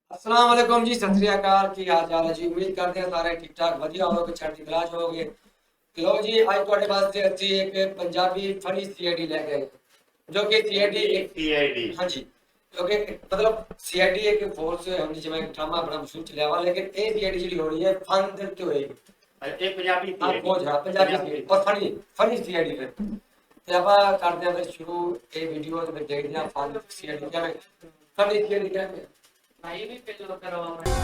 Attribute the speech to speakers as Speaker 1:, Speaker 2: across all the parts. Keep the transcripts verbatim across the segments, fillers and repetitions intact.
Speaker 1: अस्सलाम वालेकुम जी, सत श्री अकाल। की हाल चाल है जी? उम्मीद करते हैं सारे ठीक ठाक वधिया होवोगे, चढ़ती कला च होवोगे। लो जी, अज तुहाडे वास्ते असीं एक पंजाबी फनी सीआईडी लेके आए, जो कि सीआईडी एक
Speaker 2: सीआईडी
Speaker 1: हाँ जी, जो कि मतलब सीआईडी एक फोर्स होनी जिवें ड्रामा बड़ा मशहूर चलिया वा, लेकिन ये सीआईडी जिहड़ी होनी है फन दे उत्ते होएगी।
Speaker 2: एक पंजाबी
Speaker 1: हाँ फौज हाँ पंजाबी सीआईडी और फनी फनी सीआईडी फिर ते आपां करदे आं फिर शुरू ये वीडियो ते फिर देखदे आं फन सीआईडी क्या फनी सीआईडी क्या है। भाई भी पेलो करवा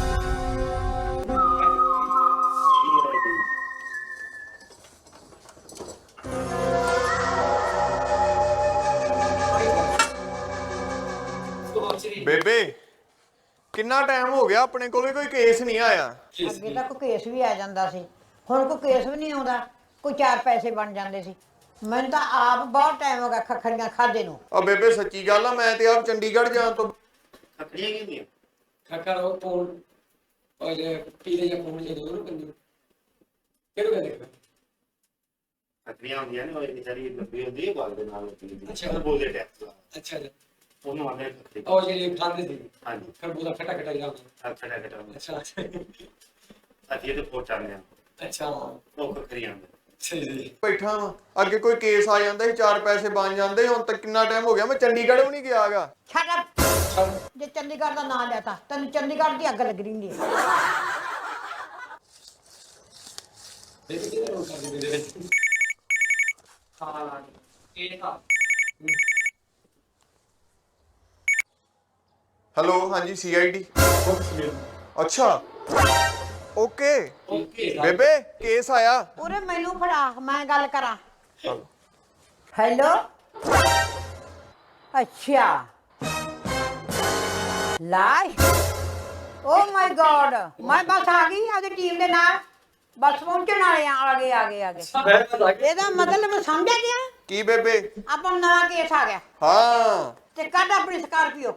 Speaker 3: ਬੇਬੇ ਕਿੰਨਾ ਟਾਈਮ ਹੋ ਗਿਆ ਆਪਣੇ ਕੋਲੇ ਕੋਈ ਕੇਸ ਨਹੀਂ ਆਇਆ।
Speaker 4: ਅੱਗੇ ਤਾਂ ਕੋਈ ਕੇਸ ਵੀ ਆ ਜਾਂਦਾ ਸੀ, ਹੁਣ ਕੋਈ ਕੇਸ ਵੀ ਨਹੀਂ ਆਉਂਦਾ, ਕੋਈ ਚਾਰ ਪੈਸੇ ਬਣ ਜਾਂਦੇ ਸੀ। ਮੈਨੂੰ ਤਾਂ ਆਪ ਬਹੁਤ ਟਾਈਮ ਹੋ ਗਿਆ ਖੱਖੜੀਆਂ ਖਾਦੇ ਨੂੰ।
Speaker 3: ਆ ਬੇਬੇ ਸੱਚੀ ਗੱਲ ਆ, ਮੈਂ ਤੇ ਆਪ ਚੰਡੀਗੜ੍ਹ ਜਾਣ ਤੋਂ
Speaker 2: ਖੱਖੜੀਆਂ ਕੀ ਹੁੰਦੀਆਂ?
Speaker 1: ਖੱਕਰ ਉਹ ਪੂਣ ਉਹ ਜੇ ਪੀਲੇ ਜਿਹੇ ਪੂਣ ਜਿਹੇ ਦੋਨੋਂ ਕੰਨੀ ਕਿਹੜੇ ਕਹਿੰਦੇ
Speaker 2: ਖੱਖੜੀਆਂ ਹੁੰਦੀਆਂ ਨੇ, ਉਹ ਇੱਕ ਜਿਹੜੀ ਲੰਬੀ ਹੁੰਦੀ ਹੈ ਬਾਲ ਦੇ ਨਾਲ ਹੁੰਦੀ ਹੈ।
Speaker 1: ਅੱਛਾ।
Speaker 2: ਉਹ ਬੋਲਦੇ ਟੈਕਸ
Speaker 1: ਅੱਛਾ ਜੀ,
Speaker 2: ਉਹਨੂੰ ਆਉਂਦੇ ਖੱਖੜੀ।
Speaker 1: ਉਹ ਜਿਹੜੀ ਖਾਂਦੇ ਸੀ
Speaker 2: ਹਾਂਜੀ,
Speaker 1: ਖਰਬੂਜ਼ਾ ਖੱਟਾ ਖੱਟਾ ਜਿਹਾ ਹੁੰਦਾ।
Speaker 2: ਖੱਖੜਾ ਖੱਟਾ ਹੁੰਦਾ।
Speaker 1: ਅੱਛਾ
Speaker 2: ਅਸੀਂ ਇਹਦੇ ਕੋਲ ਚੱਲਦੇ ਹਾਂ,
Speaker 1: ਅੱਛਾ
Speaker 2: ਉਹ ਖੱਖੜੀਆਂ ਹੁੰਦੀਆਂ।
Speaker 1: ਸਹੀ ਜੀ।
Speaker 3: ਬੈਠਾ ਵਾਂ, ਅੱਗੇ ਕੋਈ ਕੇਸ ਆ ਜਾਂਦਾ ਸੀ, ਚਾਰ ਪੈਸੇ ਬਣ ਜਾਂਦੇ। ਹੁਣ ਤੱਕ ਕਿੰਨਾ ਟਾਈਮ ਹੋ ਗਿਆ, ਮੈਂ ਚੰਡੀਗੜ੍ਹ ਵੀ ਨਹੀਂ ਗਿਆਗਾ।
Speaker 4: ਛੱਡ ਅਪ। ਜੇ ਚੰਡੀਗੜ੍ਹ ਦਾ ਨਾਂ ਲਿਆ ਤਾਂ ਤੈਨੂੰ ਚੰਡੀਗੜ੍ਹ ਦੀ ਅੱਗ ਲੱਗ ਰਹੀ ਹੈ।
Speaker 1: ਬੇਬੀ ਕਿਹਦਾ ਰੋਲ ਕਰਦੀ ਮੇਰੇ ਵਿੱਚ? ਹਾਂ ਇਹ ਤਾਂ
Speaker 3: ਹੈਲੋ, ਹਾਂਜੀ ਸੀਆਈਡੀ। ਅੱਛਾ ਓਕੇ
Speaker 1: ਓਕੇ
Speaker 3: ਬੇਬੇ ਕੇਸ ਆਇਆ।
Speaker 4: ਉਰੇ ਮੈਨੂੰ ਫੜਾ, ਮੈਂ ਗੱਲ ਕਰਾਂ। ਹੈਲੋ, ਅੱਛਾ ਲਾਸ਼। ਓ ਮਾਈ ਗॉड, ਮੈਂ ਬਸ ਆ ਗਈ ਆਪਣੀ ਟੀਮ ਦੇ ਨਾਲ, ਬਸ ਪਹੁੰਚਣ ਵਾਲੇ ਆ। ਆ ਗਏ ਆ ਗਏ ਆ ਗਏ। ਇਹਦਾ ਮਤਲਬ ਸਮਝਿਆ ਗਿਆ?
Speaker 3: ਕੀ ਬੇਬੇ?
Speaker 4: ਆਪਾਂ ਨੂੰ ਨਵਾਂ ਕੇਸ ਆ ਗਿਆ
Speaker 3: ਹਾਂ
Speaker 4: ਤੇ ਕੱਢ ਆਪਣੀ ਸਕਾਰਪੀਓ।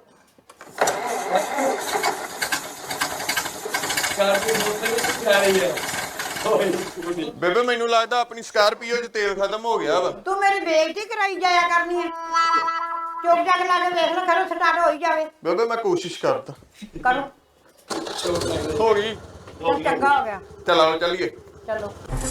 Speaker 1: ਕਾਰਪੀ ਮੋਟਰ ਵਿੱਚ ਜਾ ਰਹੀ ਹੈ।
Speaker 3: ਬੇਬੇ ਮੈਨੂੰ ਲੱਗਦਾ ਆਪਣੀ ਸਕਾਰਪੀਓ 'ਚ ਤੇਲ ਖਤਮ ਹੋ ਗਿਆ ਵਾ।
Speaker 4: ਤੂੰ ਮੇਰੀ ਬੇਇੱਜ਼ਤੀ ਕਰਾਈ ਜਾਇਆ ਕਰਨੀ ਹੈ। ਚੁੱਪ ਚਾਪ ਲਾ ਕੇ ਵੇਖ ਲੋ, ਕਰੋ ਸਟਾਰਟ ਹੋਈ ਜਾਵੇ।
Speaker 3: ਬੇਬੇ ਮੈਂ ਕੋਸ਼ਿਸ਼ ਕਰਦਾ।
Speaker 4: ਕਰੋ।
Speaker 3: ਹੋ ਗਈ।
Speaker 4: ਚੱਲ ਚੰਗਾ ਹੋ ਗਿਆ,
Speaker 3: ਚਲੋ ਚੱਲੀਏ
Speaker 4: ਚਲੋ।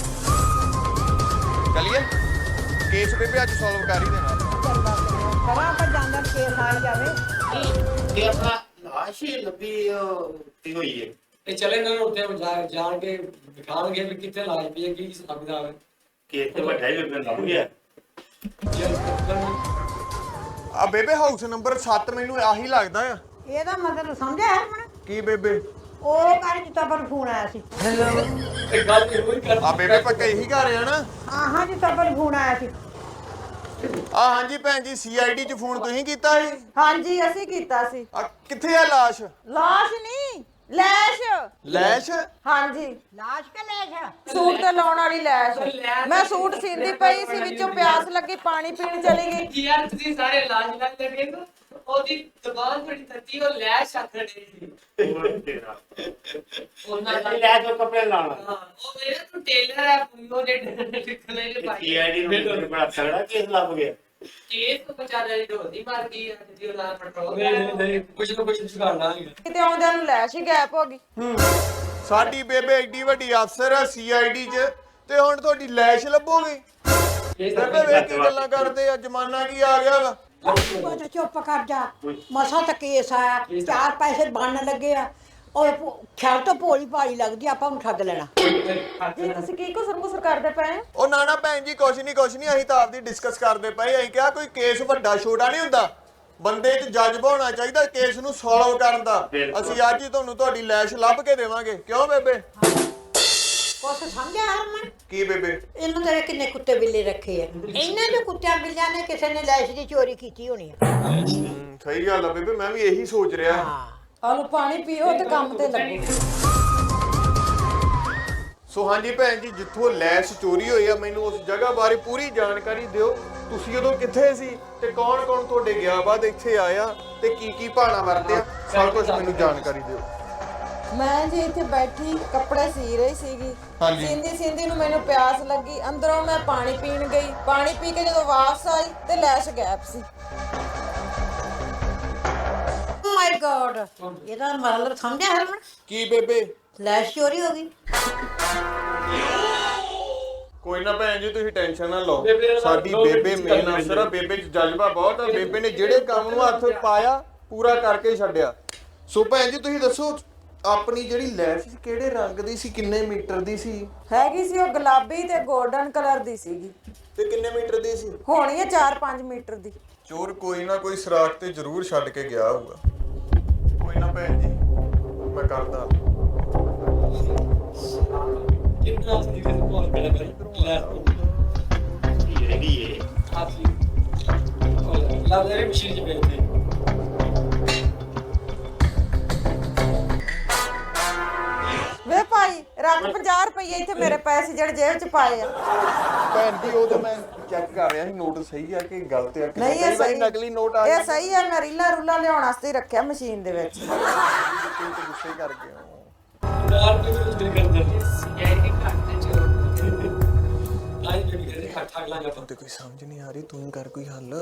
Speaker 3: ਚੱਲੀਏ ਕੇਸ ਬੇਬੇ ਅੱਜ ਸੋਲਵ ਕਰ ਹੀ ਦੇਣਾ।
Speaker 4: ਚੰਗਾ ਕਰਾਂ ਆਪਾਂ ਜਾਂਦਾ ਕੇਸ ਆ ਹੀ ਜਾਵੇ।
Speaker 2: ਇਹ ਆਪਣਾ ਲਾਸ਼ ਹੀ ਲੰਬੀ ਤੀ ਹੋਈ ਹੈ।
Speaker 1: ਇਹ ਚਲੇ ਨਾ ਉੱਥੇ ਜਾ ਜਾਣ ਕੇ ਦਿਖਾਣਗੇ ਵੀ ਕਿੱਥੇ ਲਾਜ ਪਈ ਹੈ, ਕੀ ਸਾਬਦਾ ਹੈ
Speaker 2: ਕਿ ਇੱਥੇ ਵੱਡਾ ਹੀ ਬੇਬੇ ਲੱਭ ਗਿਆ।
Speaker 3: ਆ ਬੇਬੇ ਹਾਊਸ ਨੰਬਰ ਸੱਤ ਮੈਨੂੰ ਆਹੀ ਲੱਗਦਾ ਆ।
Speaker 4: ਇਹਦਾ ਮਤਲਬ ਸਮਝਿਆ ਹਰਮਨ?
Speaker 3: ਕੀ ਬੇਬੇ?
Speaker 4: ਉਹ ਕਰ ਜਿੱਤਾ ਪਰ ਫੋਨ ਆਇਆ ਸੀ।
Speaker 1: ਇਹ ਗੱਲ ਤੇ ਹੋਈ ਕਰ
Speaker 3: ਆ ਬੇਬੇ ਪੱਕਾ ਇਹੀ ਘਰ ਆ ਨਾ?
Speaker 4: ਹਾਂ ਹਾਂ ਜਿੱਤਾ ਪਰ ਫੋਨ ਆਇਆ ਸੀ।
Speaker 3: ਆ ਹਾਂਜੀ ਭੈਣ ਜੀ, ਸੀਆਈਡੀ 'ਚ ਫੋਨ ਤੁਸੀਂ ਕੀਤਾ ਸੀ?
Speaker 5: ਹਾਂਜੀ ਅਸੀਂ ਕੀਤਾ ਸੀ।
Speaker 3: ਆ ਕਿੱਥੇ ਆ ਲਾਸ਼?
Speaker 5: ਲਾਸ਼ ਨਹੀਂ, ਲੈਸ਼।
Speaker 3: ਲੈਸ਼?
Speaker 5: ਹਾਂਜੀ,
Speaker 4: ਲਾਸ਼ ਕੇ ਲੈਸ਼?
Speaker 5: ਸੂਟ ਤੇ ਲਾਉਣ ਵਾਲੀ ਲੈਸ਼। ਮੈਂ ਸੂਟ ਸੀਂਦੀ ਪਈ ਸੀ, ਵਿੱਚੋਂ ਪਿਆਸ ਲੱਗੀ, ਪਾਣੀ ਪੀਣ ਚਲੀ ਗਈ।
Speaker 1: ਯਾਰ ਤੁਸੀਂ ਸਾਰੇ ਲਾਜ ਲੱਗ ਲੱਗੇ ਤਾਂ ਉਹਦੀ ਜ਼ਬਾਨ ਬੜੀ ਤੱਤੀ, ਉਹ ਲੈ ਛੱਡ ਰਹੀ ਸੀ
Speaker 2: ਉਹ ਤੇਰਾ
Speaker 1: ਉਹਨਾਂ ਦਾ।
Speaker 2: ਲੈ ਜੋ ਕੱਪੜੇ ਲਾਉਣਾ।
Speaker 1: ਹਾਂ ਉਹ ਮੇਰੇ ਤੋਂ ਟੇਲਰ ਹੈ, ਉਹ ਜਿਹੜੇ ਲਿਖਣੇ ਦੇ ਭਾਈ
Speaker 2: ਸੀਆਈਡੀ ਨੂੰ ਬੜਾ ਤਗੜਾ ਕੇਸ ਲੱਭ ਗਿਆ।
Speaker 1: ਕੇਸ ਤੋਂ ਬਚਾਣਾ ਦੀ ਢੋਦੀ ਮਾਰ ਗਈ ਜਿਹਦੀ ਉਹਨਾਂ ਪੈਟਰੋਲ ਨਹੀਂ ਨਹੀਂ ਕੁਝ ਨਾ ਕੁਝ ਜੁਗਾੜਨਾ ਹੈ।
Speaker 5: ਕਿਤੇ ਆਉਂਦਿਆਂ ਨੂੰ ਲੈਸ਼ ਹੀ ਗਾਇਬ ਹੋ ਗਈ।
Speaker 3: ਹੂੰ ਸਾਡੀ ਬੇਬੇ ਏਡੀ ਵੱਡੀ ਅਫਸਰ ਆ ਸੀਆਈਡੀ 'ਚ, ਤੇ ਹੁਣ ਤੁਹਾਡੀ ਲੈਸ਼ ਲੱਭੋਗੇ? ਬੇਬੇ ਵੇਖ ਕੀ ਗੱਲਾਂ ਕਰਦੇ ਆ, ਜ਼ਮਾਨਾ ਕੀ ਆ ਗਿਆ ਵਾ।
Speaker 4: ਉਹ ਚੁੱਪ ਕਰ ਜਾ, ਮਸਾ ਤਾਂ ਕੇਸ ਆਇਆ, ਚਾਰ ਪੈਸੇ ਬਣਨ ਲੱਗੇ ਆ। ਉਹ ਖਿਆਲ ਤੋਂ ਭੋਲੀ ਭਾਲੀ ਲੱਗਦੀ, ਆਪਾਂ ਨੂੰ ਠੱਗ ਲੈਣਾ।
Speaker 5: ਜੀ ਤੁਸੀਂ ਕੀ ਕੁਸਰ ਮੁਸਰ ਕਰਦੇ ਪਏ?
Speaker 3: ਉਹ ਨਾ ਨਾ ਭੈਣ ਜੀ, ਕੁਛ ਨਹੀਂ ਕੁਛ ਨਹੀਂ, ਅਸੀਂ ਤਾਂ ਆਪਦੀ ਡਿਸਕਸ ਕਰਦੇ ਪਏ। ਅਸੀਂ ਕਿਹਾ ਕੋਈ ਕੇਸ ਵੱਡਾ ਛੋਟਾ ਨਹੀਂ ਹੁੰਦਾ, ਬੰਦੇ 'ਚ ਜਜ਼ਬਾ ਹੋਣਾ ਚਾਹੀਦਾ ਕੇਸ ਨੂੰ ਸੋਲਵ ਕਰਨ ਦਾ। ਅਸੀਂ ਅੱਜ ਹੀ ਤੁਹਾਨੂੰ ਤੁਹਾਡੀ ਲੈਸ਼ ਲੱਭ ਕੇ ਦੇਵਾਂਗੇ। ਕਿਉਂ ਬੇਬੇ?
Speaker 4: ਕੁਛ ਸਮਝਿਆ ਹਰਮਨ?
Speaker 3: ਕੀ ਬੇਬੇ?
Speaker 4: ਇਹਨਾਂ ਦੇ ਕਿੰਨੇ ਕੁੱਤੇ ਬਿੱਲੇ ਰੱਖੇ ਆ, ਇਹਨਾਂ ਦੇ ਕੁੱਤਿਆਂ ਬਿੱਲਿਆਂ ਨੇ ਕਿਸੇ ਨੇ ਲੈਸ਼ ਦੀ ਚੋਰੀ ਕੀਤੀ ਹੋਣੀ ਆ।
Speaker 3: ਹੂੰ ਸਹੀ ਗੱਲ ਆ ਬੇਬੇ, ਮੈਂ ਵੀ ਇਹੀ ਸੋਚ ਰਿਹਾ।
Speaker 4: ਹਾਂ
Speaker 5: ਆਲੂ ਪਾਣੀ ਪੀਓ ਤੇ ਕੰਮ ਤੇ ਲੱਗੋ।
Speaker 3: ਸੋ ਹਾਂਜੀ ਭੈਣ ਜੀ, ਜਿੱਥੋਂ ਲੈਸ਼ ਚੋਰੀ ਹੋਈ ਆ, ਮੈਨੂੰ ਉਸ ਜਗ੍ਹਾ ਬਾਰੇ ਪੂਰੀ ਜਾਣਕਾਰੀ ਦਿਓ। ਤੁਸੀਂ ਉਦੋਂ ਕਿੱਥੇ ਸੀ ਤੇ ਕੌਣ ਕੌਣ ਤੁਹਾਡੇ ਗਿਆ ਬਾਅਦ ਇੱਥੇ ਆਇਆ ਤੇ ਕੀ ਕੀ ਭਾਣਾ ਵਰਤਿਆ, ਸਭ ਕੁਝ ਮੈਨੂੰ ਜਾਣਕਾਰੀ ਦਿਓ।
Speaker 5: ਮੈਂ ਜੀ ਇੱਥੇ ਬੈਠੀ ਕੱਪੜੇ ਸੀ ਰਹੀ ਸੀਗੀ।
Speaker 3: ਹਾਂਜੀ।
Speaker 5: ਸੀਂਦੀ ਸੀਂਦੀ ਨੂੰ ਮੈਨੂੰ ਪਿਆਸ ਲੱਗੀ, ਅੰਦਰੋਂ ਮੈਂ ਪਾਣੀ ਪੀਣ ਗਈ। ਪਾਣੀ ਪੀ ਕੇ ਜਦੋਂ ਵਾਪਸ ਆਈ ਤੇ ਲੈਸ਼ ਗਾਇਬ ਸੀ।
Speaker 4: ਮਾਈ ਮਾਈ ਗॉड ਇਹਦਾ ਮਤਲਬ ਸਮਝਿਆ ਹਰਮਨ
Speaker 3: ਕੀ ਬੇਬੇ
Speaker 4: ਲੈਸ਼ ਚੋਰੀ ਹੋ ਗਈ
Speaker 3: ਕੋਈ ਨਾ ਭੈਣ ਜੀ ਤੁਸੀਂ ਟੈਨਸ਼ਨ ਨਾ ਲਓ
Speaker 1: ਬੇਬੇ ਨਾਲ
Speaker 3: ਸਾਡੀ
Speaker 1: ਦੋ
Speaker 3: ਬੇਬੇ
Speaker 1: ਮਿੰਟ
Speaker 3: ਮੇਨ
Speaker 1: ਗੱਲ
Speaker 3: ਅਫਸਰ ਆ ਬੇਬੇ ਚ ਜਜ਼ਬਾ ਬਹੁਤ ਆ ਬੇਬੇ ਨੇ ਜਿਹੜੇ ਕੰਮ ਨੂੰ ਹੱਥ ਪਾਇਆ ਪੂਰਾ ਕਰਕੇ ਛੱਡਿਆ ਸੋ ਭੈਣ ਜੀ ਤੁਸੀਂ ਦੱਸੋ ਆਪਣੀ ਜਿਹੜੀ ਲੈਸ਼ ਸੀ ਕਿਹੜੇ ਰੰਗ ਦੀ ਸੀ ਕਿੰਨੇ ਮੀਟਰ ਦੀ ਸੀ
Speaker 5: ਹੈਗੀ ਸੀ ਉਹ ਗੁਲਾਬੀ ਤੇ 골ਡਨ ਕਲਰ ਦੀ ਸੀਗੀ
Speaker 3: ਤੇ ਕਿੰਨੇ ਮੀਟਰ ਦੀ ਸੀ
Speaker 5: ਹੋਣੀ ਹੈ ਚਾਰ ਪੰਜ ਮੀਟਰ ਦੀ
Speaker 3: ਚੋਰ ਕੋਈ ਨਾ ਕੋਈ ਸਰਾਖ ਤੇ ਜ਼ਰੂਰ ਛੱਡ ਕੇ ਗਿਆ ਹੋਊਗਾ ਕੋਈ ਨਾ ਭੈਣ ਜੀ ਮੈਂ ਕਰਦਾ
Speaker 1: ਕਿੰਨਾ ਸੀ ਕਿ ਬਹੁਤ ਬੜਾ ਬੜਾ
Speaker 2: ਕੀ ਹੈਗੀ ਏ
Speaker 1: ਆਸੀ ਲੱਭ ਲੈ ਮਸ਼ੀਨ ਚ ਬੈਠੇ
Speaker 5: ਵੇ ਭਾਈ ਰੱਖ ਪੰਜਾਹ ਰੁਪਏ ਇੱਥੇ ਮੇਰੇ ਪੈਸੇ ਜਿਹੜੇ ਜੇਬ 'ਚ ਪਾਏ ਆ
Speaker 3: ਭੈਣ ਜੀ ਉਹ ਤਾਂ ਮੈਂ ਚੈੱਕ ਕਰ ਰਿਹਾ ਸੀ ਨੋਟ ਸਹੀ ਆ ਕਿ ਗਲਤ ਆ ਕਿ
Speaker 5: ਨਹੀਂ
Speaker 3: ਕਈ
Speaker 5: ਇਹ
Speaker 3: ਵਾਰੀ
Speaker 5: ਸਹੀ
Speaker 3: ਨਕਲੀ ਨੋਟ ਆ
Speaker 5: ਇਹ
Speaker 3: ਜਾਂਦੇ
Speaker 5: ਸਹੀ ਹੈ ਮੈਂ ਰੀਲਾ ਰੂਲਾ ਲਿਆਉਣ ਵਾਸਤੇ ਹੀ ਰੱਖਿਆ ਮਸ਼ੀਨ ਦੇ ਵਿੱਚ
Speaker 3: ਤੁਸੀਂ ਤਾਂ ਗੁੱਸੇ ਕਰ ਗਏ ਹੋ
Speaker 1: ਯਾਰ ਤੇ ਕੁਝ ਨਹੀਂ ਕਰਦਾ ਸੀਆਈ ਦੀ ਘੱਟ ਤੇ ਚੋਰ ਆਈ ਬੇਬੀ ਕਹਿੰਦੇ ਖੱਟ ਠਾਕ ਲਾ ਜਾਂਦਾ
Speaker 3: ਤੇ ਕੋਈ ਸਮਝ ਨਹੀਂ ਆ ਰਹੀ ਤੂੰ ਕਰ ਕੋਈ ਹੱਲ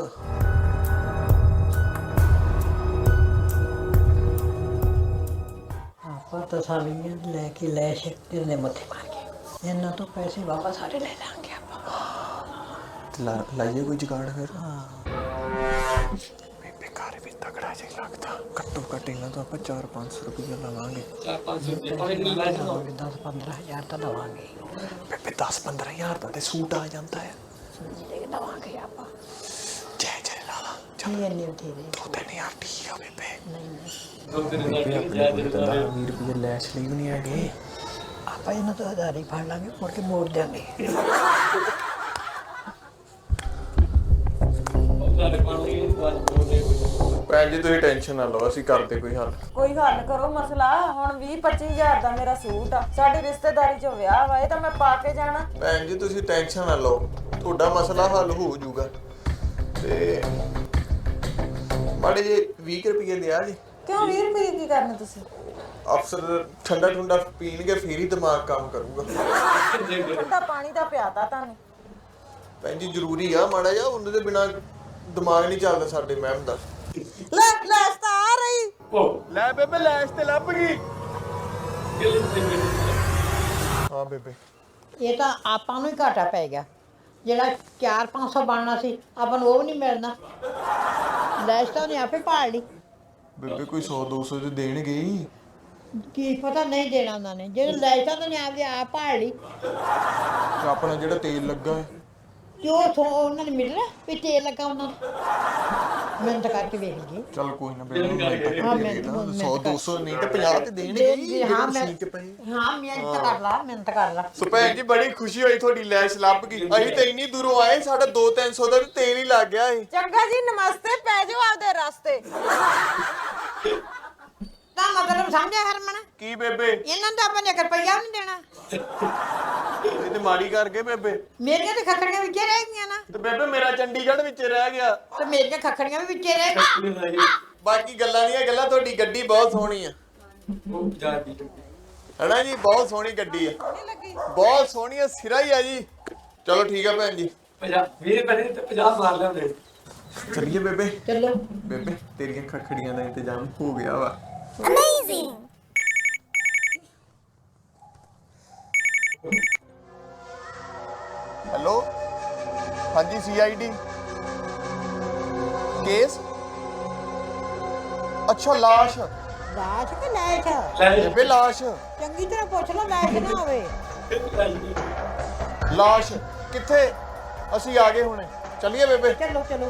Speaker 4: ਆਪਾਂ ਤਾਂ ਸਾਲੀਆਂ ਲੈ ਕੇ ਲੈ ਸ਼ਕਤੀ ਦੇ ਮੱਥੇ ਮਾਰ ਕੇ ਇਹਨਾਂ ਤੋਂ ਪੈਸੇ ਵਾਪਸ ਸਾਰੇ ਲੈ ਲਾਂਗੇ ਆਪਾਂ
Speaker 3: ਲਾਈਏ ਕੋਈ ਜੁਗਾੜ ਫਿਰ ਬੇਬੇ ਘਰ ਵੀ ਤਗੜਾ ਜਿਹਾ ਲੱਗਦਾ ਘੱਟੋ ਘੱਟ ਇਹਨਾਂ ਤੋਂ ਆਪਾਂ ਚਾਰ ਪੰਜ ਸੌ ਰੁਪਏ ਲਵਾਂਗੇ
Speaker 1: ਚਾਰ ਪੰਜ ਸੌ ਰੁਪਏ ਉਹਨੇ ਨਹੀਂ ਲਾਇਆ ਨਾ
Speaker 4: ਦਸ ਪੰਦਰਾਂ ਹਜ਼ਾਰ ਤਾਂ ਦਵਾਂਗੇ
Speaker 3: ਬੇਬੇ ਦਸ ਪੰਦਰਾਂ ਹਜ਼ਾਰ ਦਾ ਤੇ ਸੂਟ ਆ ਜਾਂਦਾ ਹੈ
Speaker 4: ਜਿਹੜੇ ਦਵਾਂਗੇ ਆਪਾਂ
Speaker 3: ਜੈ ਜੈ ਲਾਲਾ
Speaker 4: ਨਹੀਂ ਇੰਨੇ ਬਥੇਰੇ
Speaker 3: ਦੋ ਤਿੰਨ ਹਜ਼ਾਰ ਠੀਕ ਆ ਬੇਬੇ
Speaker 4: ਨਹੀਂ ਨਹੀਂ
Speaker 1: ਦੋ ਤਿੰਨ ਹਜ਼ਾਰ ਜਾ ਦੇ
Speaker 3: ਵੀਹ ਰੁਪਏ ਲੈਸ਼ ਲਈ ਵੀ ਨਹੀਂ ਹੈਗੇ
Speaker 4: ਆਪਾਂ ਇਹਨਾਂ ਤੋਂ ਹਜ਼ਾਰ ਹੀ ਫੜ ਲਾਂਗੇ ਮੁੜ ਕੇ ਮੋੜ ਦਿਆਂਗੇ
Speaker 1: ਉਹਦਾ ਪਾਣੀ ਬਾਅਦ ਬੋਲਦੇ
Speaker 3: ਭੈਣ ਜੀ ਤੁਸੀਂ ਟੈਨਸ਼ਨ ਨਾ ਲਓ ਅਸੀਂ ਕਰਦੇ ਕੋਈ ਹੱਲ
Speaker 5: ਕੋਈ ਹੱਲ ਕਰੋ ਮਸਲਾ ਹੁਣ ਵੀਹ ਪੱਚੀ ਹਜ਼ਾਰ ਦਾ ਮੇਰਾ ਸੂਟ ਆ ਸਾਡੀ ਰਿਸ਼ਤੇਦਾਰੀ 'ਚ ਵਿਆਹ ਵਾ ਇਹ ਤਾਂ ਮੈਂ ਪਾ ਕੇ ਜਾਣਾ
Speaker 3: ਭੈਣ ਜੀ ਤੁਸੀਂ ਟੈਨਸ਼ਨ ਨਾ ਲਓ ਤੁਹਾਡਾ ਮਸਲਾ ਹੱਲ ਹੋ ਜਾਊਗਾ ਤੇ ਮਾੜੇ ਜੇ ਵੀਹ ਰੁਪਏ ਦਿਆ ਜੀ
Speaker 5: ਕਿਉਂ ਵੀਹ ਰੁਪਏ ਕੀ ਕਰਨੇ ਤੁਸੀਂ
Speaker 3: ਅਫਸਰ ਠੰਡਾ ਠੰਡਾ ਪੀਣਗੇ ਫੇਰ ਹੀ ਦਿਮਾਗ ਕੰਮ ਕਰੂਗਾ
Speaker 5: ਠੰਡਾ ਪਾਣੀ ਦਾ ਪਿਆਤਾ ਤੁਹਾਨੂੰ
Speaker 3: ਭੈਣ ਜੀ ਜ਼ਰੂਰੀ ਆ ਮਾੜਾ ਜਿਹਾ ਉਹਨਾਂ ਦੇ ਬਿਨਾ ਦਿਮਾਗ ਨਹੀਂ ਚੱਲਦਾ ਸਾਡੇ ਮੈਮ ਦਾ
Speaker 5: ਲੈ ਲੈਸ ਤਾਂ ਆ ਰਹੀ
Speaker 1: ਉਹ
Speaker 3: ਲੈ ਬੇਬੇ ਲੈਸ਼ ਤੇ ਲੱਭ ਗਈ
Speaker 1: ਕਿਲੇ ਤੇ
Speaker 3: ਹਾਂ ਬੇਬੇ
Speaker 4: ਇਹ ਤਾਂ ਆਪਾਂ ਨੂੰ ਹੀ ਘਾਟਾ ਪੈ ਗਿਆ ਜਿਹੜਾ ਚਾਰ ਪੰਜ ਸੌ ਬਣਨਾ ਸੀ ਆਪਾਂ ਨੂੰ ਉਹ ਵੀ ਨਹੀਂ ਮਿਲਣਾ ਲੈਸ਼ ਤਾਂ ਉਹਨੇ ਆਪੇ ਪਾੜ ਲਈ
Speaker 3: ਬੇਬੇ ਕੋਈ ਸੌ ਦੋ ਸੌ ਤੇ ਦੇਣਗੇ ਹੀ
Speaker 4: ਕੀ ਪਤਾ ਨਹੀਂ ਦੇਣਾ ਉਹਨਾਂ ਨੇ ਜੇ ਲੈਸ਼ ਤਾਂ ਉਹਨੇ ਆਪਦੇ ਆਪ ਪਾੜ ਲਈ
Speaker 3: ਤੇ ਆਪਣਾ ਜਿਹੜਾ ਤੇਲ ਲੱਗਾ ਹੈ
Speaker 4: ਤੇ ਉਹ ਥੋ- ਉਹਨਾਂ ਨੇ ਮਿਲਣਾ ਵੀ ਤੇਲ ਲੱਗਾ ਉਹਨਾਂ ਨੂੰ ਮਿਹਨਤ ਕਰਕੇ ਵੇਖ ਲਈਏ
Speaker 3: ਚੱਲ ਕੋਈ ਨਾ ਬੇਬੇ ਮੈਂ
Speaker 4: ਹਾਂ, ਮਿਹਨਤ-
Speaker 3: ਸੌ ਦੋ ਸੌ ਨਹੀਂ ਤੇ ਪੰਜਾਹ ਤੇ ਦੇਣਗੇ ਹੀ
Speaker 4: ਦੇ- ਹਾਂ, ਮੈਂ-
Speaker 3: ਮਸ਼ੀਨ 'ਚ ਪਏ
Speaker 4: ਹਾਂ ਮਿਹਨਤ ਕਰ ਲਾ ਮਿਹਨਤ ਕਰ ਲਾ
Speaker 3: ਸੋ ਭੈਣ ਜੀ ਬੜੀ ਖੁਸ਼ੀ ਹੋਈ ਤੁਹਾਡੀ ਲੈਸ਼ ਲੱਭ ਗਈ ਅਸੀਂ ਤਾਂ ਇੰਨੀ ਦੂਰੋਂ ਆਏ ਸਾਡਾ ਦੋ ਤਿੰਨ ਸੌ ਦਾ ਤੇ ਤੇਲ ਹੀ ਲੱਗ ਗਿਆ ਏ
Speaker 5: ਚੰਗਾ ਜੀ ਨਮਸਤੇ ਪੈ ਜਾਓ ਆਪਦੇ ਰਸਤੇ
Speaker 4: ਤਾਂ ਮਤਲਬ ਸਮਝਿਆ ਹਰਮਨ
Speaker 3: ਕੀ ਬੇਬੇ
Speaker 4: ਇਹਨਾਂ ਦਾ ਆਪਾਂ ਨੇ ਇੱਕ ਰੁਪਈਆ ਵੀ ਨਹੀਂ ਦੇਣਾ
Speaker 3: ਇਹ ਤੇ ਮਾੜੀ ਕਰ ਗਏ ਬੇਬੇ
Speaker 4: ਮੇਰੀਆਂ ਤੇ ਖੱਖੜੀਆਂ ਵਿੱਚੇ ਰਹਿ ਗਈਆਂ ਨਾ
Speaker 3: ਤੇ ਬੇਬੇ ਮੇਰਾ ਚੰਡੀਗੜ੍ਹ ਵਿੱਚ ਰਹਿ ਗਿਆ
Speaker 4: ਤੇ ਮੇਰੀਆਂ ਖੱਖੜੀਆਂ ਵੀ ਵਿੱਚੇ ਰਹਿ ਗਈਆਂ
Speaker 3: ਬਾਕੀ ਗੱਲਾਂ ਦੀਆਂ ਗੱਲਾਂ ਤੁਹਾਡੀ ਗੱਡੀ ਬਹੁਤ ਸੋਹਣੀ ਆ
Speaker 1: ਉਹ ਜਾ ਦੀ
Speaker 3: ਹੈਨਾ ਜੀ ਬਹੁਤ ਸੋਹਣੀ ਗੱਡੀ ਆ ਬਹੁਤ ਸੋਹਣੀ ਆ ਸਿਰਾ ਹੀ ਆ ਜੀ ਚਲੋ ਠੀਕ ਆ ਭੈਣ ਜੀ
Speaker 1: ਪੰਜਾਹ ਵੀਹ ਰੁਪਏ ਤੇ ਪੰਜਾਹ ਮਾਰ ਲਿਆਉਂਦੇ
Speaker 3: ਚੱਲੀਏ ਬੇਬੇ
Speaker 4: ਚਲੋ
Speaker 3: ਬੇਬੇ ਤੇਰੀਆਂ ਖਖੜੀਆਂ ਦਾ ਇੰਤਜ਼ਾਮ ਹੋ ਗਿਆ ਵਾ ਹੈਲੋ ਹਾਂਜੀ ਸੀਆਈਡੀ ਕੇਸ ਅੱਛਾ ਲਾਸ਼
Speaker 4: ਲਾਸ਼ ਕਿ ਲੈਸ਼
Speaker 3: ਬੇਬੇ ਲਾਸ਼
Speaker 4: ਚੰਗੀ ਤਰ੍ਹਾਂ ਪੁੱਛ ਲਓ ਲੈਸ਼ ਨਾ ਹੋਵੇ
Speaker 3: ਲਾਸ਼ ਕਿੱਥੇ ਅਸੀਂ ਆ ਗਏ ਹੁਣੇ ਚੱਲੀਏ ਬੇਬੇ
Speaker 4: ਚਲੋ ਚਲੋ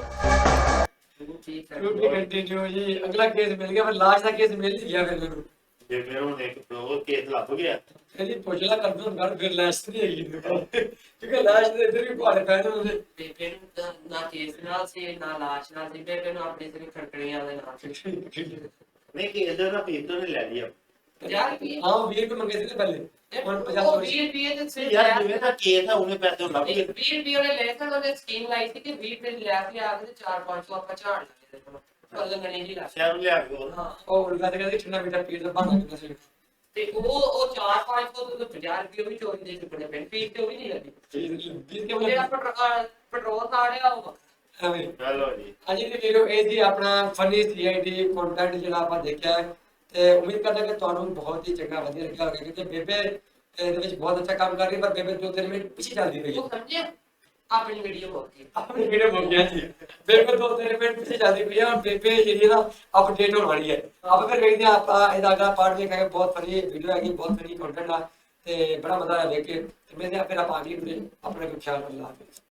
Speaker 1: ਰੋਟੀ ਕੰਟੀਨਿਊ ਜੀ ਅਗਲਾ ਕੇਸ ਮਿਲ ਗਿਆ ਪਰ ਲਾਸ਼ ਦਾ ਕੇਸ ਮਿਲ ਹੀ ਗਿਆ ਫਿਰ ਮੈਨੂੰ
Speaker 2: ਜੇ ਫਿਰ ਉਹ ਇੱਕ ਉਹ ਕੇਸ ਲੱਭ ਗਿਆ
Speaker 1: ਕਹਿੰਦੀ ਪੁੱਛਲਾ ਕਰ ਦੂੰ ਘਰ ਫਿਰ ਲਾਸ਼ ਨਹੀਂ ਹੈਗੀ ਕਿਉਂਕਿ ਲਾਸ਼ ਦੇ ਇੱਧਰ ਵੀ ਭਾੜੇ ਪੈ ਨੇ ਉਹਦੇ
Speaker 6: ਬੇਬੇ ਨੂੰ ਤਾਂ ਨਾ ਕੇਸ ਨਾਲ ਸੀ ਨਾ ਲਾਸ਼ ਨਾਲ ਸੀ ਬੇਬੇ ਨੂੰ ਆਪਣੀ ਸਿਰ ਖੜਕਣੀਆਂ ਦੇ ਨਾਲ
Speaker 2: ਨਹੀਂ ਕੇਸ ਦਾ ਫੀਸ ਤੋਂ ਨਹੀਂ ਲੈ ਲਈ
Speaker 6: ਪੰਜਾਹ ਰੁਪਏ
Speaker 1: ਹਾਂ ਵੀਹ ਰੁਪਏ ਮੰਗੇ ਸੀ ਤੇ ਪਹਿਲੇ ਹੁਣ ਪੰਜਾਹ
Speaker 6: ਉਹ
Speaker 1: ਰੁਪਏ
Speaker 6: ਵੀਹ ਰੁਪਏ ਦੇ ਸਿਰ
Speaker 2: ਯਾਰ ਜਿਵੇਂ ਦਾ ਕੇਸ ਆ ਉਹਨੇ ਪੈਸੇ ਲੱਭ ਗਏ
Speaker 6: ਵੀਹ ਰੁਪਏ ਉਹਨੇ ਲੈ ਕੇ ਉਹਨੇ ਸਕੀਮ ਲਾਈ ਸੀ ਕਿ ਵੀਹ ਰੁਪਏ ਲਿਆ ਕੇ ਆ ਕੇ ਚਾਰ ਪੰਜ ਸੌ ਆਪਾਂ ਝਾੜ ਲਾਂਗੇ ਪਰ ਲੰਗਣੀ ਨਹੀਂ ਲਾ
Speaker 2: ਸ਼ਹਿਰ ਲਿਆ ਕੇ ਉਹ
Speaker 6: ਹਾਂ
Speaker 1: ਉਹ ਉਲਗਾ ਤੇ ਕਹਿੰਦੇ ਠੰਡਾ ਮੀਟਰ ਪੀਰ ਦਾ ਬਹਾਨਾ ਕਰਦਾ ਸੀ
Speaker 6: ਤੇ ਉਹ ਉਹ ਚਾਰ ਪੰਜ ਸੌ ਤੋਂ ਪੰਜਾਹ ਰੁਪਏ ਵੀ ਚੋਰੀ ਦੇ ਚੁੱਕਣੇ ਪੈਣ ਫੀਸ ਤੇ ਉਹ ਵੀ ਨਹੀਂ ਲੱਗੀ
Speaker 1: ਵੀਹ ਕੇ
Speaker 6: ਉਹ ਜਿਹੜਾ ਪੈਟਰੋਲ ਪੈਟਰੋਲ ਕਾੜਿਆ ਉਹ
Speaker 1: ਐਵੇਂ
Speaker 2: ਚਲੋ ਜੀ
Speaker 1: ਅੱਜ ਦੀ ਵੀਡੀਓ ਇਹ ਸੀ ਆਪਣਾ ਫਨੀ ਸੀਆਈਡੀ ਕੰਟੈਂਟ ਜਿਹੜਾ ਆਪਾਂ ਦੇਖਿਆ ਹੈ ਤੇ ਉਮੀਦ ਕਰਦਾ ਕਿ ਤੁਹਾਨੂੰ ਬਹੁਤ ਹੀ ਚੰਗਾ ਵਧੀਆ ਲੱਗਿਆ ਹੋਵੇਗਾ ਕਿਉਂਕਿ ਬੇਬੇ ਇਹਦੇ ਵਿੱਚ ਬਹੁਤ ਅੱਛਾ ਕੰਮ ਕਰ ਰਹੀ ਹੈ ਪਰ ਬੇਬੇ ਦੋ ਤਿੰਨ ਮਿੰਟ ਪਿੱਛੇ ਚੱਲਦੀ ਪਈ ਹੈ
Speaker 6: ਉਹ ਸਮਝੇ ਆਪਣੀ ਵੀਡੀਓ ਹੋ ਗਈ
Speaker 1: ਆਪਣੀ ਵੀਡੀਓ ਹੋ ਗਿਆ ਜੀ ਬੇਬੇ ਦੋ ਤਿੰਨ ਮਿੰਟ ਪਿੱਛੇ ਚੱਲਦੀ ਪਈ ਹੈ ਔਰ ਬੇਬੇ ਜਿਹੜੀ ਨਾ ਅਪਡੇਟ ਹੋਣ ਵਾਲੀ ਹੈ ਆਪਾਂ ਫਿਰ ਵੇਖਦੇ ਹਾਂ ਆਪਾਂ ਇਹਦਾ ਅਗਲਾ ਪਾਰਟ ਵੇਖਾਂਗੇ ਬਹੁਤ ਫਨੀ ਵੀਡੀਓ ਹੈਗੀ ਬਹੁਤ ਫਨੀ ਕੰਟੈਂਟ ਆ ਤੇ ਬੜਾ ਮਜ਼ਾ ਆਇਆ ਵੇਖ ਕੇ ਤੇ ਮੈਂ ਫਿਰ ਆਪਾਂ ਅਗਲੀ ਵੀਡੀਓ ਆਪਣੇ ਕੋਲ ਖਿਆਲ ਰੱਖਣਾ